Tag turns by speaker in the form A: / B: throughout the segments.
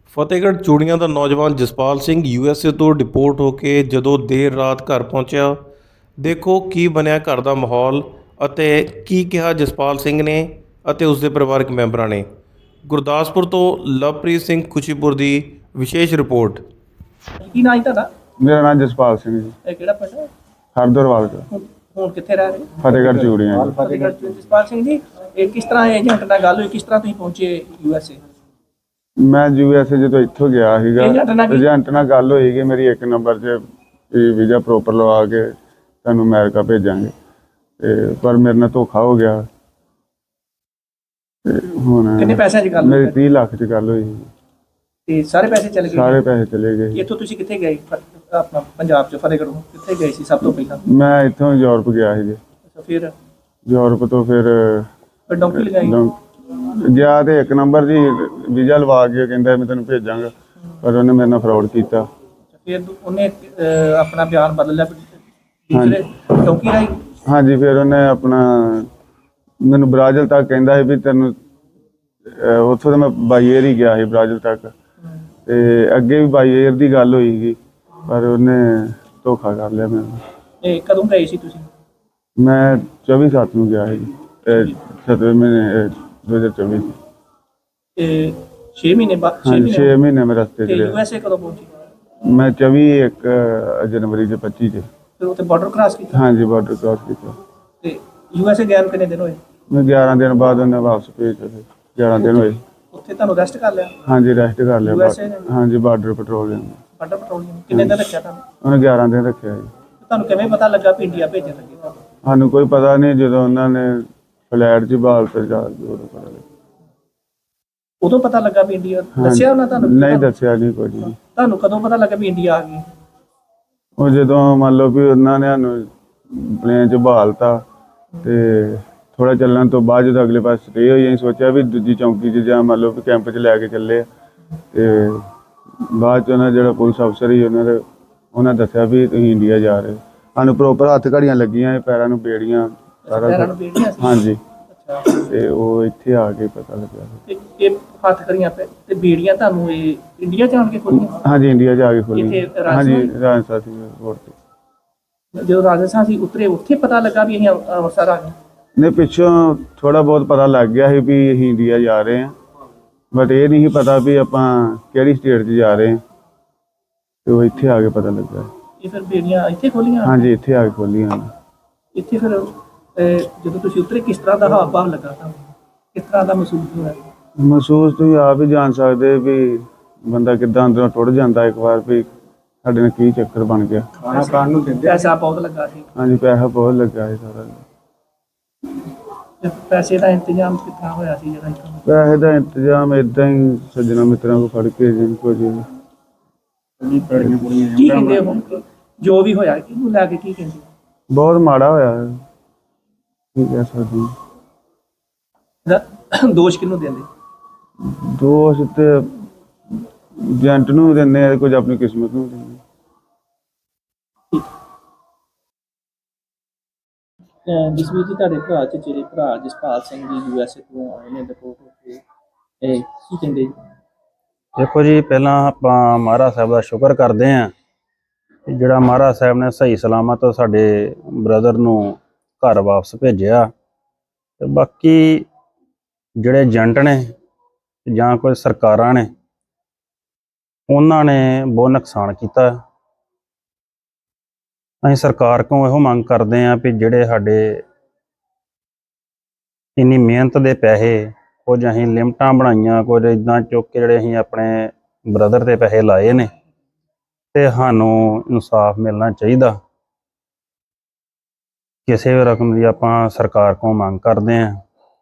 A: ਫਤਿਹਗੜ੍ਹ ਚੂੜੀਆਂ ਦਾ ਨੌਜਵਾਨ ਜਸਪਾਲ ਸਿੰਘ ਯੂਐਸਏ ਤੋਂ ਡਿਪੋਰਟ ਹੋ ਕੇ ਜਦੋਂ ਦੇਰ ਰਾਤ ਘਰ ਪਹੁੰਚਿਆ, ਦੇਖੋ ਕੀ ਬਣਿਆ ਘਰ ਦਾ ਮਾਹੌਲ ਅਤੇ ਕੀ ਕਿਹਾ ਜਸਪਾਲ ਸਿੰਘ ਨੇ ਅਤੇ ਉਸ ਦੇ ਪਰਿਵਾਰਕ ਮੈਂਬਰਾਂ ਨੇ। ਗੁਰਦਾਸਪੁਰ ਤੋਂ ਲਵਪ੍ਰੀਤ ਸਿੰਘ ਖੁਸ਼ੀਪੁਰ ਦੀ ਵਿਸ਼ੇਸ਼ ਰਿਪੋਰਟ।
B: ਕੀ ਨਾਂ ਹੈ ਤੁਹਾਡਾ?
C: ਮੇਰਾ ਨਾਮ ਜਸਪਾਲ ਸਿੰਘ ਜੀ,
B: ਇਹ ਕਿਹੜਾ ਪਿੰਡ ਹੈ?
C: ਹਰਦਰਵਾਲ ਦਾ,
B: ਹੁਣ ਕਿੱਥੇ ਰਹਿ ਰਹੇ?
C: ਫਤਿਹਗੜ੍ਹ ਚੂੜੀਆਂ ਜੀ।
B: ਫਤਿਹਗੜ੍ਹ ਚ। ਜਸਪਾਲ ਸਿੰਘ ਜੀ, ਇਹ ਕਿਸ ਤਰ੍ਹਾਂ ਏਜੰਟ ਨਾਲ ਗੱਲ ਹੋਈ, ਕਿਸ ਤਰ੍ਹਾਂ ਤੁਸੀਂ ਪਹੁੰਚੇ ਯੂਐਸਏ?
C: ਮੈਂ ਯੂਐਸਏ ਜਦੋਂ ਇੱਥੋਂ ਗਿਆ ਸੀਗਾ, ਏਜੰਟ ਨਾਲ ਗੱਲ ਹੋਈ ਕਿ ਮੇਰੀ 1 ਨੰਬਰ 'ਚ ਵੀਜ਼ਾ ਪ੍ਰੋਪਰ ਲਵਾ ਕੇ ਤੁਹਾਨੂੰ ਅਮਰੀਕਾ ਭੇਜਾਂਗੇ, ਤੇ ਪਰ ਮੇਰੇ ਨਾਲ ਧੋਖਾ ਹੋ ਗਿਆ। ਤੇ ਹੁਣ
B: ਕਿੰਨੇ ਪੈਸਿਆਂ 'ਚ ਗੱਲ
C: ਮੇਰੀ
B: ਹੋਈ?
C: 30 ਲੱਖ 'ਚ ਗੱਲ ਹੋਈ ਸੀ।
B: ਤੇ ਸਾਰੇ ਪੈਸੇ ਚਲੇ ਗਏ?
C: ਸਾਰੇ ਪੈਸੇ ਚਲੇ ਗਏ।
B: ਇੱਥੋਂ ਤੁਸੀਂ ਕਿੱਥੇ ਗਏ? ਆਪਣਾ ਪੰਜਾਬ 'ਚ ਫਤਿਹਗੜ੍ਹੋਂ ਕਿੱਥੇ ਗਏ ਸੀ ਸਭ ਤੋਂ ਪਹਿਲਾਂ?
C: ਮੈਂ ਇੱਥੋਂ ਯੂਰਪ ਗਿਆ ਸੀ ਜੀ।
B: ਅੱਛਾ, ਫਿਰ
C: ਯੂਰਪ ਤੋਂ ਫਿਰ
B: ਡੌਂਕੀ ਲਗਾਈ?
C: ਗਿਆ ਤੇ 1 ਨੰਬਰ ਜੀ ਵੀਜ਼ਾ ਲਵਾ ਕੇ ਕਹਿੰਦਾ ਮੈਂ ਤੈਨੂੰ ਭੇਜਾਂਗਾ, ਪਰ ਉਹਨੇ ਮੇਰੇ ਨਾਲ ਫਰਾਡ ਕੀਤਾ।
B: ਫਿਰ ਉਹਨੇ ਆਪਣਾ ਬਿਆਨ ਬਦਲ ਲਿਆ ਦੂਸਰੇ ਡੌਂਕੀ ਰਾਹੀਂ?
C: ਹਾਂਜੀ, ਫਿਰ ਉਹਨੇ ਆਪਣਾ ਮੈਨੂੰ ਬ੍ਰਾਜ਼ਿਲ ਤੱਕ ਕਹਿੰਦਾ ਸੀ ਵੀ ਤੈਨੂੰ ਉੱਥੋਂ ਤਾਂ ਮੈਂ ਬਾਈ ਏਅਰ ਹੀ ਗਿਆ ਸੀ ਬ੍ਰਾਜ਼ਿਲ ਤੱਕ, ਤੇ ਅੱਗੇ ਵੀ ਬਾਈ ਏਅਰ ਦੀ ਗੱਲ ਹੋਈ ਸੀ, ਪਰ ਉਹਨੇ ਧੋਖਾ ਕਰ ਲਿਆ ਮੈਨੂੰ।
B: ਇਹ ਕਦੋਂ ਗਏ ਸੀ ਤੁਸੀਂ?
C: ਮੈਂ 24/7 ਨੂੰ ਗਿਆ ਸੀ, 7ਵੇਂ ਮਹੀਨੇ 2024 ਚ।
B: ਤੇ 6 ਮਹੀਨੇ ਬਾਅਦ?
C: 6 ਮਹੀਨੇ ਮੈਂ ਰਸਤੇ 'ਚ
B: ਤੇ
C: ਰਿਹਾ।
B: ਯੂਐਸਏ ਕਦੋਂ ਪਹੁੰਚੇ?
C: ਮੈਂ 24 ਜਨਵਰੀ 'ਚ 25 'ਚ।
B: ਫਿਰ ਉੱਥੇ ਬਾਰਡਰ ਕ੍ਰਾਸ ਕੀਤਾ?
C: ਹਾਂਜੀ, ਬਾਰਡਰ ਕ੍ਰਾਸ ਕੀਤਾ।
B: ਤੇ ਯੂਐਸਏ ਗਏ ਨੂੰ ਕਿੰਨੇ ਦਿਨ ਹੋਏ?
C: ਮੈਂ 11 ਦਿਨ ਬਾਅਦ ਉਹਨੇ ਵਾਪਸ ਭੇਜਿਆ। 11 ਦਿਨ ਹੋਏ।
B: ਉੱਥੇ ਤੁਹਾਨੂੰ ਰੈਸਟ ਕਰ ਲਿਆ?
C: ਹਾਂਜੀ, ਰੈਸਟ ਕਰ ਲਿਆ।
B: USA ਨੇ?
C: ਹਾਂਜੀ, ਬਾਰਡਰ ਪੈਟਰੋਲਿੰਗ।
B: ਬਾਰਡਰ ਪੈਟਰੋਲਿੰਗ ਕਿੰਨੇ ਦਿਨ ਰੱਖਿਆ ਤੁਹਾਨੂੰ?
C: ਉਹਨੇ 11 ਦਿਨ ਰੱਖਿਆ ਜੀ।
B: ਤੁਹਾਨੂੰ ਕਿਵੇਂ ਪਤਾ ਲੱਗਾ ਵੀ ਇੰਡੀਆ ਭੇਜਣ ਲੱਗੇ ਤੁਹਾਨੂੰ?
C: ਸਾਨੂੰ ਕੋਈ ਪਤਾ ਨਹੀਂ, ਜਦੋਂ ਉਹਨਾਂ ਨੇ ਫਲੈਟ 'ਚ ਬਾਲ ਤੇ ਜਾ ਕੇ ਉਦੋਂ ਪਤਾ ਲੱਗਾ।
B: ਉਦੋਂ ਪਤਾ ਲੱਗਾ ਵੀ ਇੰਡੀਆ? ਦੱਸਿਆ ਉਹਨਾਂ ਤੁਹਾਨੂੰ?
C: ਨਹੀਂ ਦੱਸਿਆ ਨਹੀਂ ਕੁਝ ਵੀ।
B: ਤੁਹਾਨੂੰ ਕਦੋਂ ਪਤਾ ਲੱਗਾ ਵੀ ਇੰਡੀਆ ਆ ਗਈ?
C: ਉਹ ਜਦੋਂ ਮੰਨ ਲਓ ਵੀ ਉਹਨਾਂ ਨੇ ਸਾਨੂੰ ਪਲੇਨ 'ਚ ਬਹਾਲਤਾ, ਤੇ ਥੋੜਾ ਚੱਲਣ ਤੋਂ ਬਾਅਦ ਜਦੋਂ ਅਗਲੇ ਪਾਸੇ ਸਟੇ ਹੋਈ, ਅਸੀਂ ਸੋਚਿਆ ਵੀ ਦੂਜੀ ਚੌਂਕੀ 'ਚ ਜਾਂ ਮੰਨ ਲਓ ਵੀ ਕੈਂਪ 'ਚ ਲੈ ਕੇ ਚੱਲੇ, ਤੇ ਬਾਅਦ 'ਚ ਉਹਨਾਂ ਜਿਹੜਾ ਪੁਲਿਸ ਅਫਸਰ ਸੀ ਉਹਨਾਂ ਦੱਸਿਆ ਵੀ ਤੁਸੀਂ ਇੰਡੀਆ ਜਾ ਰਹੇ। ਸਾਨੂੰ ਪ੍ਰੋਪਰ ਹੱਥ ਘੜੀਆਂ ਲੱਗੀਆਂ, ਪੈਰਾਂ ਨੂੰ ਬੇੜੀਆਂ, ਸਾਰਾ
B: ਪੈਰਾਂ ਨੂੰ ਬੇੜੀਆਂ ਸੀ?
C: ਹਾਂਜੀ।
B: ਅੱਛਾ,
C: ਤੇ ਉਹ ਇੱਥੇ ਆ ਕੇ ਪਤਾ ਲੱਗਿਆ।
B: ਤੇ ਇਹ ਹੱਥ ਕਰੀਆਂ ਤੇ ਬੇੜੀਆਂ ਤੁਹਾਨੂੰ ਇਹ ਇੰਡੀਆ ਜਾਣ ਕੇ ਖੋਲੀਆਂ?
C: ਹਾਂਜੀ, ਇੰਡੀਆ ਜਾ ਕੇ ਖੋਲੀ।
B: ਇੱਥੇ
C: ਹਾਂਜੀ,
B: ਰਾਜਸਥਾਨ?
C: ਰਾਜਸਥਾਨ ਸੀ ਰੋਡ ਤੇ।
B: ਜਦੋਂ ਰਾਜਸਥਾਨ ਸੀ ਉਤਰੇ, ਉੱਥੇ ਪਤਾ ਲੱਗਾ ਵੀ ਅਸੀਂ ਅੰਮ੍ਰਿਤਸਰ ਆ ਗਏ?
C: ਨੇ ਪਿੱਛੋਂ ਥੋੜਾ ਬਹੁਤ ਪਤਾ ਲੱਗ ਗਿਆ ਸੀ ਵੀ ਅਸੀਂ ਇੰਡੀਆ ਜਾ ਰਹੇ ਹਾਂ, ਬਟ ਇਹ ਨਹੀਂ ਪਤਾ ਵੀ ਆਪਾਂ ਕਿਹੜੀ ਸਟੇਟ 'ਚ ਜਾ ਰਹੇ ਹਾਂ, ਤੇ ਉਹ ਇੱਥੇ ਆ ਕੇ ਪਤਾ ਲੱਗਾ।
B: ਇਹ ਫਿਰ ਬੇੜੀਆਂ ਇੱਥੇ ਖੋਲੀਆਂ?
C: ਹਾਂਜੀ, ਇੱਥੇ ਆ ਕੇ ਖੋਲੀਆਂ।
B: ਇੱਥੇ ਫਿਰ ਜਦੋਂ ਤੁਸੀਂ ਉਤਰੇ ਕਿਸ ਤਰ੍ਹਾਂ ਦਾ ਹਾਵ ਭਾਵ ਲੱਗਾ ਤੁਹਾਨੂੰ? ਕਿਸ ਤਰ੍ਹਾਂ ਦਾ ਮਹਿਸੂਸ ਹੋਇਆ?
C: ਮਹਿਸੂਸ ਤੁਸੀਂ ਆਪ ਹੀ ਜਾਣ ਸਕਦੇ ਵੀ ਬੰਦਾ ਕਿੱਦਾਂ ਅੰਦਰੋਂ ਟੁੱਟ ਜਾਂਦਾ ਇੱਕ ਵਾਰ ਵੀ ਸਾਡੇ ਨਾਲ ਕੀ ਚੱਕਰ ਬਣ ਗਿਆ।
B: ਖਾਣਾ ਖਾਣ ਨੂੰ ਦਿੰਦੇ? ਪੈਸਾ ਬਹੁਤ ਲੱਗਾ ਸੀ?
C: ਹਾਂਜੀ, ਪੈਸਾ ਬਹੁਤ ਲੱਗਾ ਸੀ ਸਾਰਾ।
B: ਤੇ ਪੈਸੇ ਦਾ ਇੰਤਜ਼ਾਮ ਕਿੱਥਾਂ ਹੋਇਆ ਸੀ ਜਿਹੜਾ ਇੱਥੋਂ?
C: ਪੈਸੇ ਦਾ ਇੰਤਜ਼ਾਮ ਏਦਾਂ ਹੀ ਸੱਜਣਾ ਮਿੱਤਰਾਂ ਕੋਲ ਫੜ ਕੇ ਜਿੰਨ ਕੁਝ।
B: ਕੀ ਕਹਿੰਦੇ ਹੁਣ ਜੋ ਵੀ ਹੋਇਆ ਕਿਹਨੂੰ ਲੈ ਕੇ ਕੀ ਕਹਿੰਦੇ?
C: ਬਹੁਤ ਮਾੜਾ ਹੋਇਆ ਹੈ, ਕੀ ਕਹਿ ਸਕਦੇ ਹਾਂ।
B: ਦੋਸ਼ ਕਿਹਨੂੰ ਦਿੰਦੇ?
C: ਦੋਸ਼ ਤੇ ਏਜੰਟ ਨੂੰ ਦਿੰਦੇ ਆ, ਕੁਝ ਆਪਣੀ ਕਿਸਮਤ ਨੂੰ ਦਿੰਦੇ।
B: ਜਸਵੀਰ ਜੀ, ਤੁਹਾਡੇ ਭਰਾ ਚਚੇਰੇ ਭਰਾ ਜਸਪਾਲ ਸਿੰਘ ਜੀ ਯੂਐਸਏ ਤੋਂ ਆਏ ਨੇ ਡਿਪੋਰਟ ਹੋ ਕੇ, ਇਹ ਕੀ ਕਹਿੰਦੇ ਜੀ?
D: ਦੇਖੋ ਜੀ, ਪਹਿਲਾਂ ਆਪਾਂ ਮਹਾਰਾਜ ਸਾਹਿਬ ਦਾ ਸ਼ੁਕਰ ਕਰਦੇ ਹਾਂ ਕਿ ਜਿਹੜਾ ਮਹਾਰਾਜ ਸਾਹਿਬ ਨੇ ਸਹੀ ਸਲਾਮਤ ਸਾਡੇ ਬ੍ਰਦਰ ਨੂੰ ਘਰ ਵਾਪਸ ਭੇਜਿਆ। ਤੇ ਬਾਕੀ ਜਿਹੜੇ ਏਜੰਟ ਨੇ ਜਾਂ ਕੋਈ ਸਰਕਾਰਾਂ ਨੇ, ਉਹਨਾਂ ਨੇ ਬਹੁਤ ਨੁਕਸਾਨ ਕੀਤਾ। ਅਸੀਂ ਸਰਕਾਰ ਕੋਲੋਂ ਇਹੋ ਮੰਗ ਕਰਦੇ ਹਾਂ ਵੀ ਜਿਹੜੇ ਸਾਡੇ ਇੰਨੀ ਮਿਹਨਤ ਦੇ ਪੈਸੇ, ਕੁਝ ਅਸੀਂ ਲਿਮਟਾਂ ਬਣਾਈਆਂ, ਕੁਝ ਇੱਦਾਂ ਚੁੱਕ ਕੇ ਜਿਹੜੇ ਅਸੀਂ ਆਪਣੇ ਬ੍ਰਦਰ ਤੇ ਪੈਸੇ ਲਾਏ ਨੇ, ਤੇ ਸਾਨੂੰ ਇਨਸਾਫ ਮਿਲਣਾ ਚਾਹੀਦਾ। ਕਿਸੇ ਵੀ ਰਕਮ ਦੀ ਆਪਾਂ ਸਰਕਾਰ ਕੋਲੋਂ ਮੰਗ ਕਰਦੇ ਹਾਂ।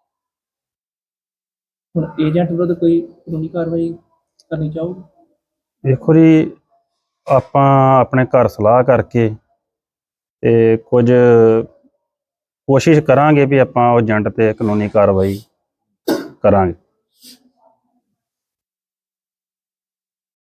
B: ਹੁਣ ਏਜੰਟ ਵਿਰੁੱਧ ਕੋਈ ਕਾਨੂੰਨੀ ਕਾਰਵਾਈ ਕਰਨੀ ਚਾਹੋਗੇ?
D: ਦੇਖੋ ਜੀ, ਆਪਾਂ ਆਪਣੇ ਘਰ ਸਲਾਹ ਕਰਕੇ ਤੇ ਕੁਝ ਕੋਸ਼ਿਸ਼ ਕਰਾਂਗੇ ਵੀ ਆਪਾਂ ਉਹ ਏਜੰਟ ਤੇ ਕਾਨੂੰਨੀ ਕਾਰਵਾਈ ਕਰਾਂਗੇ।